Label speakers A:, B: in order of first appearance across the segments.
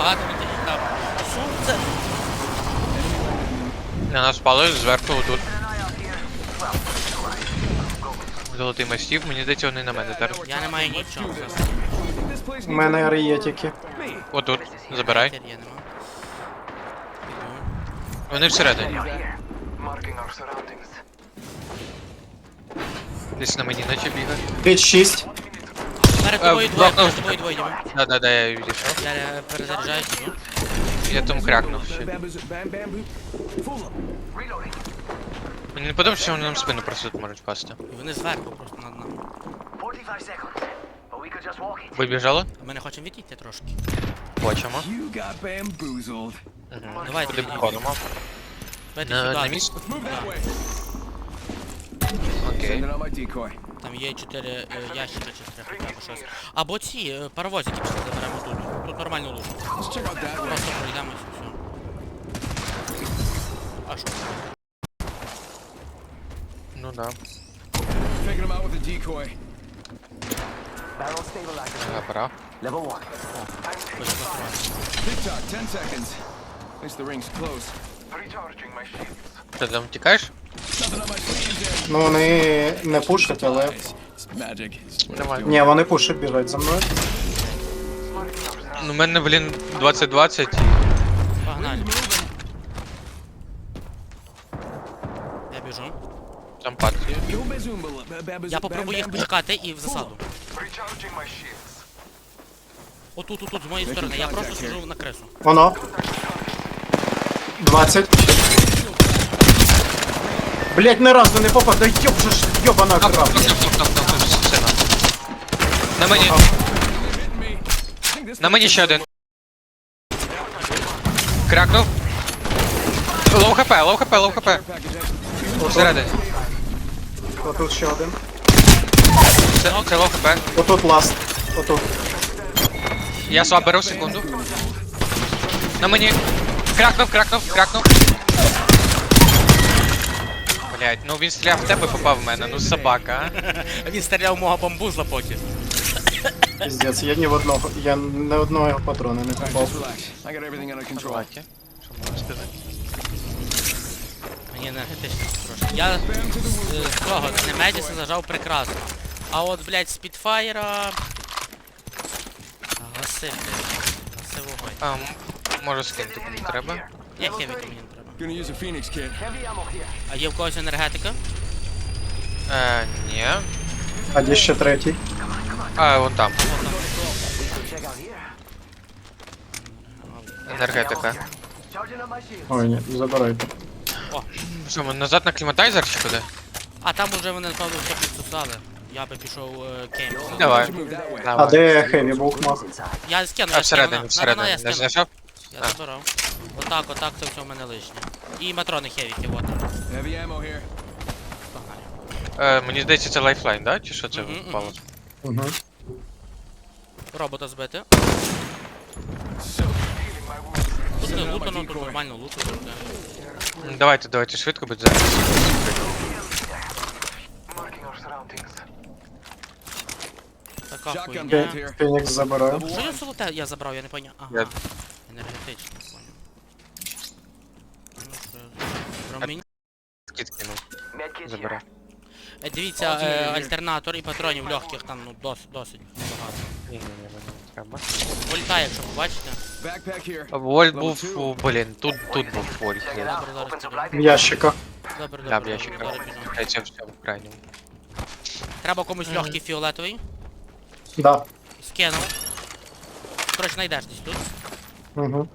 A: багато людей там. Сонце!
B: На нас пали зверху отут. Золотий мастів, мені здається, вони на мене зараз.
A: Я не маю нічого.
C: У мене ари є тільки.
B: Отут, забирай.
A: Я нема.
B: Вони всередині. Десь на мені наче бігає.
C: Під 6.
A: Перед тобою двоє,
B: блокнув.
A: перед тобою двоє. Діма.
B: Да, я відійшов.
A: Я перезаряджаюсь. Ну.
B: Я там крякнув ще. Мені не подобається, що вони нам спину просто тут можуть пасти.
A: І вони зверху просто над нами.
B: Вибіжали?
A: А ми не хочемо відійти трошки.
B: Хочемо.
A: Давайте
B: Куди
A: відійдемо.
B: походимо?
A: Давайте
B: На
A: сюди.
B: місто?
A: Да.
B: Окей.
A: Там є 4 ящики чи треба хоча б щось. Або ці паровозики пішли заберемо тут. Тут нормально лужу. Просто пройдемось і все. А що?
B: Ну да. Забрав.
A: Ось
B: Ти там тікаєш?
C: Ну вони не пушать, але.
B: Нормально.
C: Ні, вони пушать, біжать за мною.
B: Ну, в мене, блін, 20-20.
A: Погнали. Я біжу.
B: Там партії.
A: Я попробую їх почекати і в засаду. Отут, з моєї сторони. Я просто сиджу на кресу.
C: Воно. 20. Блять, ні разу не попав, да ёб же ж, ёбана крав.
B: Сина. На мені. На мені ще один. Крякнув. Лоу хп. Всередині.
C: Отут ще один.
B: Це лоу хп.
C: Отут ласт. Отут.
B: Я слаб беру, секунду. На мені. Крякнув. Блять, ну він стріляв в тебе, попав в мене, ну собака, а.
A: Він стріляв мого бамбузла поки.
C: Пиздец, я ні одного його патрона не попав.
B: Давайте. Що можна сказати?
A: Мені енергетично трошки. Я з того, з Немедіса зажав прекрасно. А от, блядь, з Підфаєра... Гаси, блядь. Гаси вогонь.
B: Може скинути кому треба.
A: Ні, хевіки мені не треба. А є в когось енергетика?
B: Ні.
C: А де ще третій?
B: Вон там. Енергетика.
C: Ой, ні, забирайте.
A: О,
B: Що, ми назад на кліматайзер чи куди?
A: а там уже вони, напевно, все підсосали. Я би пішов кейм.
B: Давай.
C: А де Хеві був мах?
A: Я скину,
B: А
A: я скину.
B: всередині.
A: Я
B: Не
A: скину.
B: знайшов?
A: Я забирав. Отак, це все в мене лишнє. І матрони хевіки, от. Погнали.
B: Мені здається, це лайфлайн, да? Чи що це
A: Мгм,
B: впало?
C: Угу.
A: Робота збити. Тут не лутано, тут нормально лутано.
B: Давайте швидко, будь зараз.
A: Така хуйня.
C: Фенікс забираю.
A: Що я золоте я забрав, я не поняв. Ага.
B: Я-
A: Енергетично, поняв. Ну, що я- Про мені.
B: Кіт кинув. Забирай.
A: Дивіться, альтернатор і патронів легких там, ну, досить багато.
B: Ні, мені не треба.
A: Вольта, якщо побачите.
B: Вольт був, блін, тут був вольт.
A: Добре, зараз тебе.
C: В ящиках.
A: Добре,
B: Да,
A: добре,
B: я ще
A: добре, біжу.
B: це все в крайньому.
A: Треба комусь легкий фіолетовий.
C: Да.
A: Скинув. Коротше, знайдеш десь тут.
C: Угу.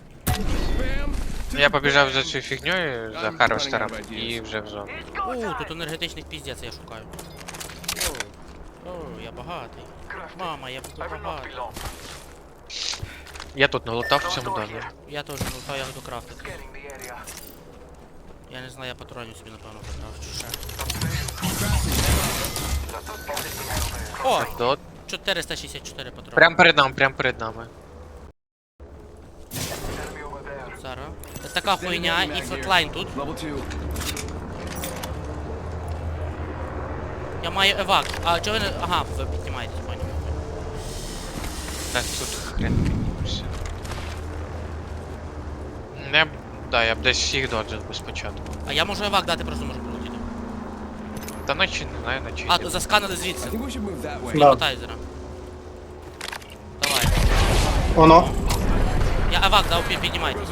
B: Я побіжав за цю фігньою, за Харвестером, і вже в зону.
A: Тут енергетичних піздець я шукаю. О, я багатий. Мама, я буду багатий.
B: Я тут налутав в цьому домі.
A: Я теж не лутав, я буду крафтити. Я не знаю, я патронів собі напевно покрафчу ще. О!
B: Тут.
A: 464 патрони.
B: Прям перед нами.
A: Зараз. Така хуйня і флетлайн тут. Я маю евак. А чого ви не... Ага, ви піднімаєтесь, поняв.
B: Так, тут хрен піднімешся. Я б десь їх доджив би спочатку.
A: А я можу евак дати, просто можу полетіти.
B: Та наче не знаю, наче.
A: А, то засканили звідси.
D: I think we should move that way.
C: Да.
A: Матайзера. Давай.
C: Воно.
A: Я евак дав, піднімайтесь.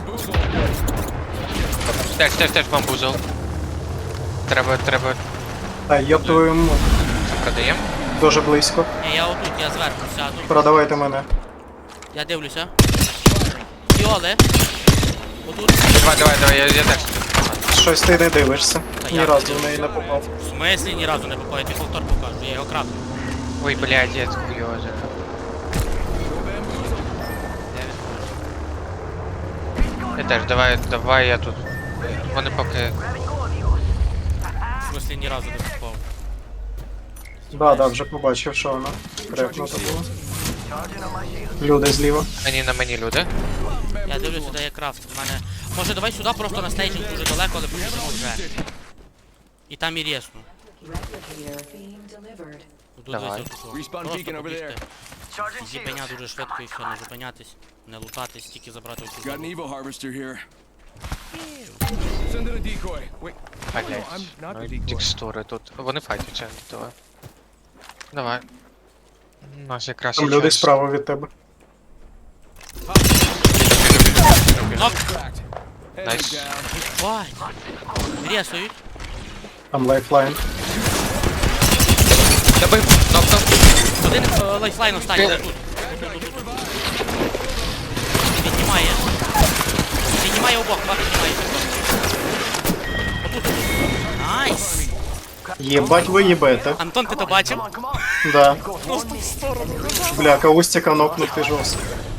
B: Теж бамбузол. Треба
C: Та йоп твою мать.
B: продаємо.
C: Дуже близько.
A: Ні, я отут, я зверху сяду.
C: Продавайте мене.
A: Я дивлюся. Фіоли. Отут.
B: Давай, я теж.
C: Щось ти не дивишся.
A: Та
C: Ні
A: я
C: разу
A: не
C: в неї не попав.
A: В смислі ні разу не попав, я тобі повтор покажу, я його крафту.
B: Ой, блядь, я хуйоза. Я теж, давай я тут. Вони поки.
A: В смислі ні разу не попав.
C: Да, вже побачив, що воно. Крепнуто було. Люди зліва.
B: На мені люди.
A: Я дивлюся, де є крафт. В мене. Може давай сюди просто на стейджинг дуже далеко, але побіжимо вже. І там і рєсну.
E: Replicator being delivered.
A: Буду
B: Давай.
A: дивитися тут.
D: Respawn
A: Просто
D: beacon over
A: побігти.
D: there.
A: Зіпеня дуже швидко і все, не зупинятись, не лутатись, тільки забрати оцю
D: Got an
A: залу.
D: Evo harvester here. Send in a decoy. Wait.
B: Блядь.
D: I'm not the
B: Ну,
D: decoy.
B: текстури тут. Вони файтяться, давай. Давай. У нас якраз
C: Там
B: є
C: люди
B: час.
C: справа від тебе.
A: Нок!
D: Cracked. Heading
B: Nice.
D: down.
A: Бать! Рєсують.
C: Там лайфлайн.
B: Добив, нокнув.
A: Один лайфлайн останній
B: Ти-
A: тут. Піднімає. Піднімає обох, два піднімає. Отут. Найс!
C: Єбать ви їбете.
A: Антон, ти то бачив?
C: Да. Бля, каустика нокнути жорстко.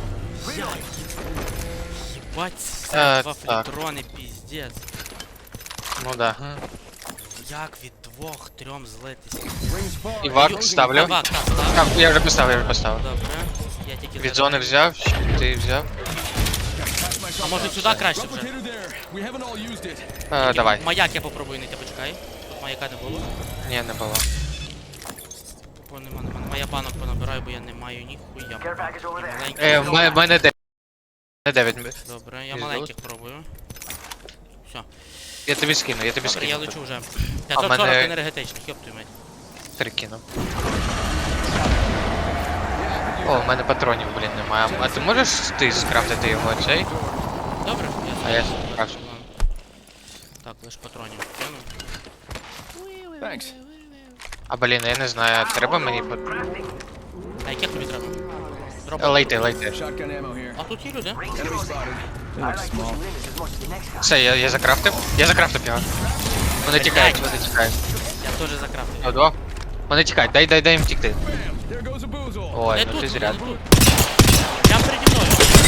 A: Бать, два
B: так.
A: флітрони, піздець.
B: Ну да.
A: Як від 2-3 злитись?
D: Rings far.
B: Івак ставлю.
A: Евак, так, так.
B: Так, я вже поставив.
A: Добре. Я тільки
B: Від
A: зараз-
B: зони взяв, ти взяв.
A: А може сюди краще вже?
D: Replicator there. We haven't all used it.
B: Давай.
A: Маяк я попробую знайти, почекай. Тут маяка не було.
B: Ні, не було.
A: Бо нема. Мая банок понабираю, бо я не маю ніхуя.
B: В мене 9.
A: Добре, я
B: Із
A: маленьких пробую. Все.
B: Я тобі скину.
A: Добре, я лечу вже.
B: А
A: 540
B: мене-
A: енергетичних, йоп твою мать.
B: 3 кину. О, в мене патронів, блін, немає. А ти можеш ти скрафтити його цей?
A: Добре,
B: А я скрафтю.
A: Так, лиш патронів кину.
D: Thanks.
B: А блін, я не знаю, треба мені
A: А яких тобі треба? Дроп.
B: Лейти.
D: Shotgun ammo here.
A: А тут є люди.
D: Enemy spotted. They look small.
B: Все, я закрафтив. Я закрафтив його. Вони тікають.
A: Я теж закрафтив.
B: Одо. Вони тікають, дай їм втікти.
D: There goes a boozle.
B: Ой,
A: Не
B: ну
A: тут,
B: ти
A: не
B: зря.
A: тут. Прям переді мною.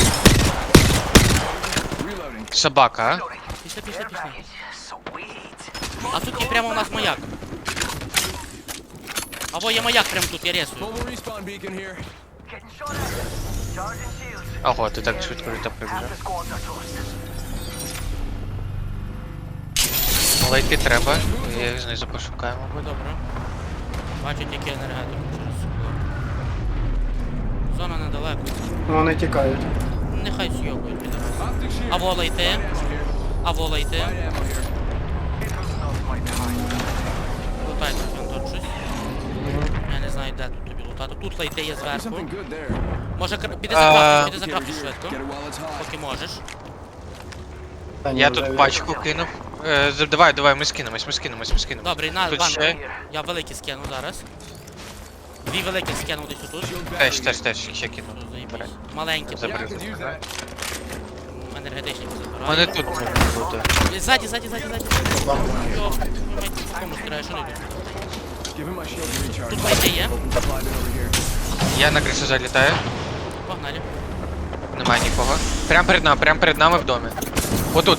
D: Reloading.
B: Собака, а?
A: Пішли. А тут є прямо у нас маяк. Або є маяк прямо тут, я ресую.
D: Mobile respawn beacon here.
B: Ого, ти так швидко літа прибіжав. Лейти треба. Я їх знизу пошукаю, мабуть.
A: Добре. Бачу тільки енергетику через скло. Зона недалеко.
C: Вони тікають.
A: Нехай сьобують піде.
D: Optic shield.
A: Або лейти. Або лейти.
D: Light ammo here.
A: Лутайте тут щось. Я не знаю, де тут тобі лутати. Тут лейти є
D: There's
A: зверху.
D: something good there.
A: Може піди
B: А,
A: закрафти швидко.
D: Get it while it's hot.
A: Поки можеш.
C: Та ні,
B: Я
C: вже
B: тут
C: від-
B: пачку кинув. Давай, ми скинемось.
A: Добре, на,
B: Тут
A: Іван,
B: ще?
A: я великий скину зараз. Дві великі скину десь отут.
B: Теж, ще кину.
A: Заєбісь.
B: Бере.
A: Маленькі.
D: Yeah, I
B: Забери.
D: could use that.
A: Енергетичні
B: У
A: забираю.
B: мене тут буде.
A: Ззаді. Йоп, ви маєте по кому стріляєш, що не йдуть.
D: Give him my shield to recharge.
A: Тут лейти є.
D: Slide it over here.
B: Я на кришу залітаю.
A: Погнали.
B: Немає нікого. Прям перед нами в домі. Отут.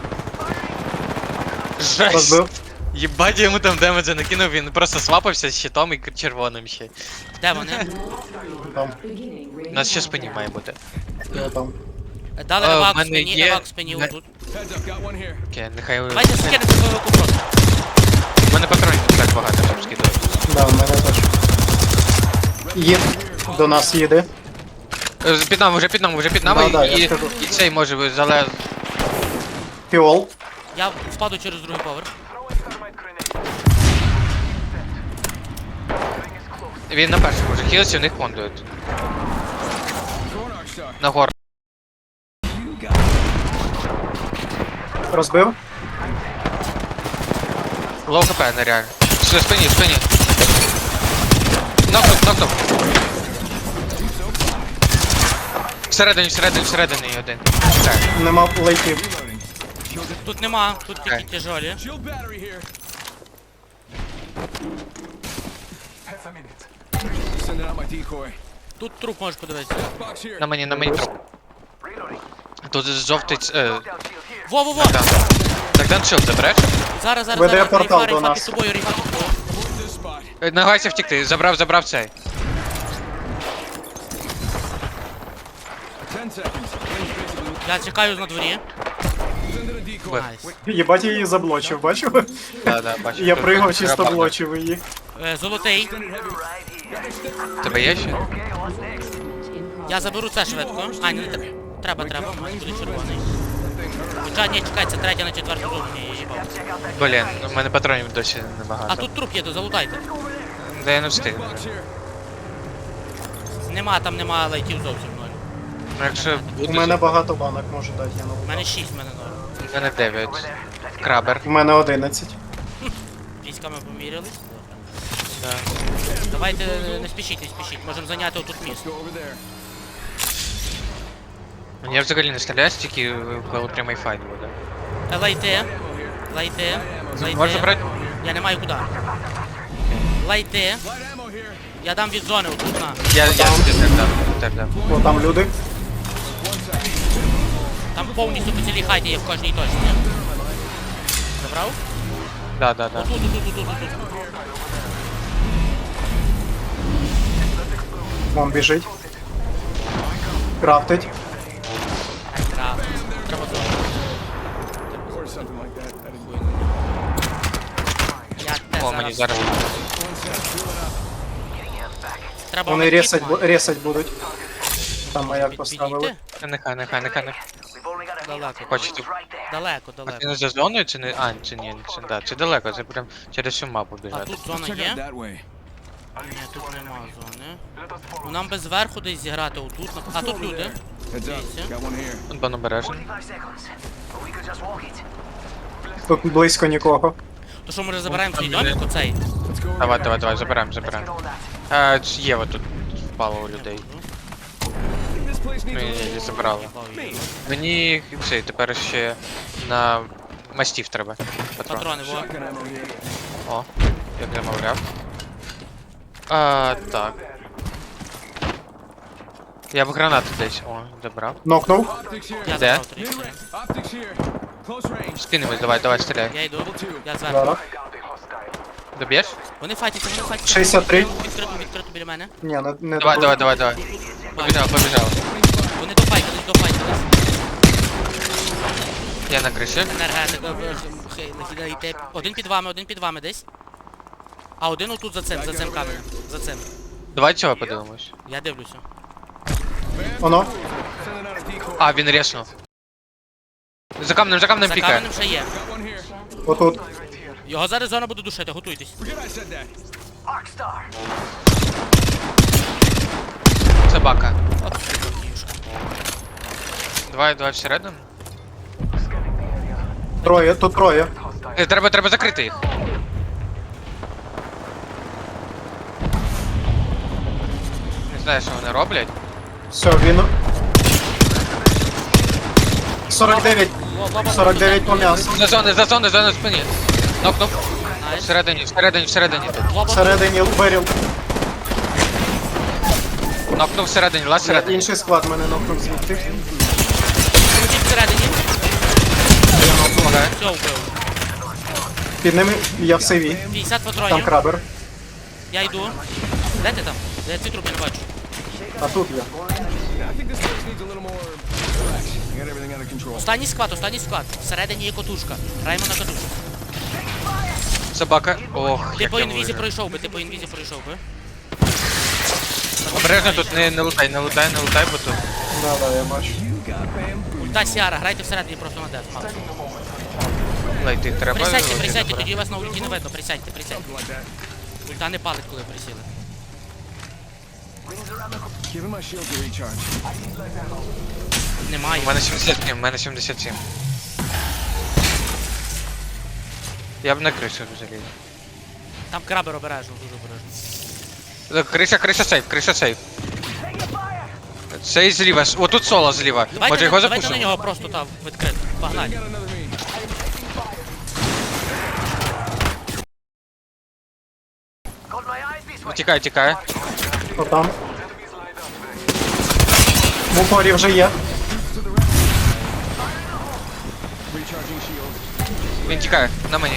B: Жесть!
C: Розбив.
B: Єбать, я йому там демеджа накинув, він просто свапався з щитом і червоним ще.
A: Де вони?
C: Там.
E: Beginning
B: У
E: ring
B: нас ще
E: countdown.
B: спині має бути.
C: Я там.
A: Дали
B: в
A: евак в
B: мене
A: спині,
B: є-
A: евак в спині
B: не-
A: отут.
D: Heads up, got one here.
B: Окей, нехай...
A: Давайте скинете бойовику просто.
B: У мене патронів не так багато, щоб скидати.
C: Да, в мене теж. Є. До нас їде.
B: Під нами, вже під нами,
C: Да, я
B: і
C: скажу.
B: цей може залез.
C: Фіол.
A: Я впаду через другий поверх.
B: Він на першому може хілиться, в них кондують.
D: Throwing arc star.
B: Нагору.
C: Розбив.
B: Лоу хп, нереально. Все, спині, спині. Нокнув. Всередині один. Так.
C: Нема лейтів.
A: Тут нема, тут тільки
B: Окей.
A: тяжолі.
D: Shield battery here. Sending out my decoy.
A: Тут труп можеш подивитися.
D: Box here.
B: На мені троп. Тут жовтий...
A: Во!
B: Так. Так, дан шилд забереш?
A: Зараз,
C: Веде портал до
A: рейфа
C: нас.
A: під тобою, рейфа під тобою.
D: This spot.
B: Нагайся втікти, забрав цей.
D: 10 seconds. Range basically.
A: Я чекаю на дворі.
D: Sending a decoy.
B: Б.
A: Найс.
C: Єбать, я її заблочив, бачив?
B: Да, бачу.
C: Я пригав, чисто
B: Треба.
C: блочив її.
A: Золотий.
B: Тебе є ще?
A: Я заберу це швидко. А, не треба, в мене буде червоний. Хоча, ні, чекай, це третя на четверту зону, ні, я їбав.
B: Блін, у мене патронів досі
A: А
B: небагато.
A: тут труп є, то залутайте.
B: Да я не встиг.
D: Box here.
A: Нема, там нема лайтів зовсім ноль.
B: Ну якщо буде...
C: У мене багато банок може дати, я
A: У
C: нову.
A: мене 6, в мене ноль.
B: У мене 9. Крабер.
C: У мене 11.
A: Військами помірялись.
B: Да.
A: Давайте не спішіть, можемо зайняти отут
D: Let's
A: місто.
D: go over there.
B: Я взагалі не стріляю, тільки коли прямий файт буде.
A: Лайте.
B: Можна брати?
A: Я не маю куди. Лайте.
D: Light ammo here.
A: Я дам від зони отут на.
B: Я так дав.
C: О, там люди.
A: Там повністю по цілій хаті є в кожній точці. Забрав?
B: Да.
A: Отут.
C: Вон біжить. Крафтить.
A: Так, треба зону.
D: Or something like that. I didn't.
A: Я те
B: О, мені зараз.
A: Треба
C: Вони
A: медкіт мати.
C: ресать будуть. Там маяк поставили.
A: Підійти?
B: Нехай.
A: Далеко.
B: Хочете.
A: Далеко.
B: А ти не за зоною чи не? А, чи ні, це далеко, це прям через всю мапу
A: А
B: біжати.
A: тут зона
D: Check out
A: є?
D: that way.
A: Ні, тут нема зони. Ну нам би зверху десь зіграти отут. А тут люди.
D: Heads up.
A: Дивіться.
D: Got one here.
B: Тут бан обережен.
C: Тут близько нікого.
A: То що, може забираємо цей домик оцей?
D: Let's go over there.
B: Давай, забираємо. Є от тут впало у людей.
D: This place needs
B: Ну
D: a
B: і
D: little
B: забрали. Мені цей тепер ще на мастів треба. Патрон.
A: Патрони, во.
D: shotgun ammo here.
B: О, як замовляв. Так. Я б гранату десь. О, забрав.
C: Нокнув.
D: Optics here.
A: Я
B: Де?
A: забрав трішки.
D: Optics here. Close range.
B: Скинемось, давай, стріляй.
A: Я йду. Я
C: Зараз.
A: зверху.
B: Доб'єш?
A: Вони файтяться.
C: 63.
A: Відкрито біля мене.
C: Ні, не
B: Давай.
A: Бачу.
B: Побіжав.
A: Вони дофайтились.
B: Я на криші.
A: Енергетика. Нахідайте. Один під вами десь. А один отут за цим каменем. За цим.
B: Давай цього подивимось.
A: Я дивлюся.
C: Воно.
D: Sending out a decoy.
B: А, він реснув. За камнем
A: За
B: пікає.
A: каменем ще є.
D: Got one here.
C: Отут.
A: Його зараз зона буде душити, готуйтесь.
D: Forget I said that.
B: Собака.
A: От ти дурнюшка.
B: Давай всередину.
C: Троє, тут троє.
B: Треба закрити їх. Не знаю, що вони роблять.
C: Все, він. 49. 49 по м'ясу.
B: За зону в спині. Нокнув.
A: Найс.
B: Всередині.
C: Всередині виріл.
B: Нокнув всередині, лаз всередині.
C: Інший склад мене нокнув звідти.
A: Крутіть всередині.
B: Помагає.
A: Все, вбив.
C: Під ними я в сейві.
A: 50
C: Там
A: патронів.
C: крабер.
A: Я йду. Де ти там? Де ці трупи не бачу?
C: А тут я.
D: I think this place needs a little more relax. I got everything under control.
A: Останній склад. Всередині є котушка. Граємо на котушку.
B: Собака. Ох,
A: Ти
B: як
A: по
B: я
A: інвізі
B: вижив.
A: пройшов би.
B: Обережно тут не лутай, бо тут.
C: Да, я бачу.
A: Ульта Сіара, грайте всередині просто на деф, максимум.
B: Лейти треба.
A: Присядьте,
B: лейти
A: присядьте,
B: добре.
A: тоді вас на ульті не видно, присядьте, присядьте.
D: Something like that.
A: Ульта не палить, коли присіли.
D: Giving my shield to recharge.
A: Немає.
B: У мене 77, у мене 77. Я б на кришу заліз.
A: Там крабер обережно, дуже обережно.
B: Криша сейф. Цей зліва, отут соло зліва. Може
A: Давайте,
B: його
A: давайте на
B: запушимо?
A: нього просто там відкрито. Погнали.
D: Got another me.
B: Тікає, тікає.
C: Хто там? В упорі вже є.
D: Recharging shield.
B: Він тікає, на мені.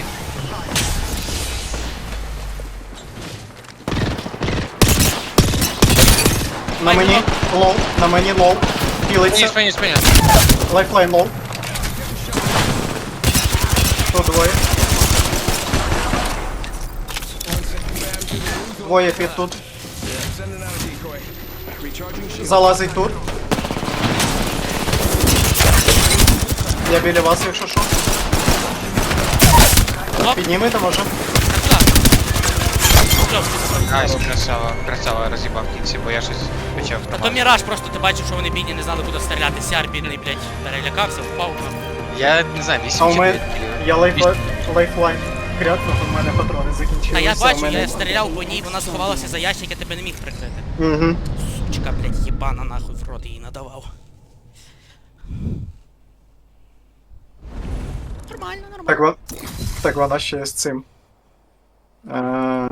C: На мені лоу, на мені лоу. Пілиться.
B: Спині.
C: Лайфлайн лоу. Тут двоє. Двоє під тут.
D: Sending out a decoy. Recharging shield.
C: Залазить тут. Я біля вас, якщо що.
A: Оп,
C: Піднімете, може?
A: так. Все,
B: Айс, красава, роз'їбав в кінці, бо я щось почав
A: Та то
B: тримати.
A: міраж, просто ти бачив, що вони бідні не знали, куди стріляти. Сяр бідний, блядь, перелякався, впав.
B: Я не знаю, 8
C: А у
B: чи
C: мене
B: 9
C: я лайфлайн крякнув, у мене патрони закінчилися.
A: Та я
C: у
A: бачу,
C: мене-
A: я стріляв по ній, вона сховалася за ящик, я тебе не міг прикрити.
C: Угу.
A: Сучка, блядь, єбана нахуй в рот її надавав. Нормально, нормально.
C: Так вона ще з цим.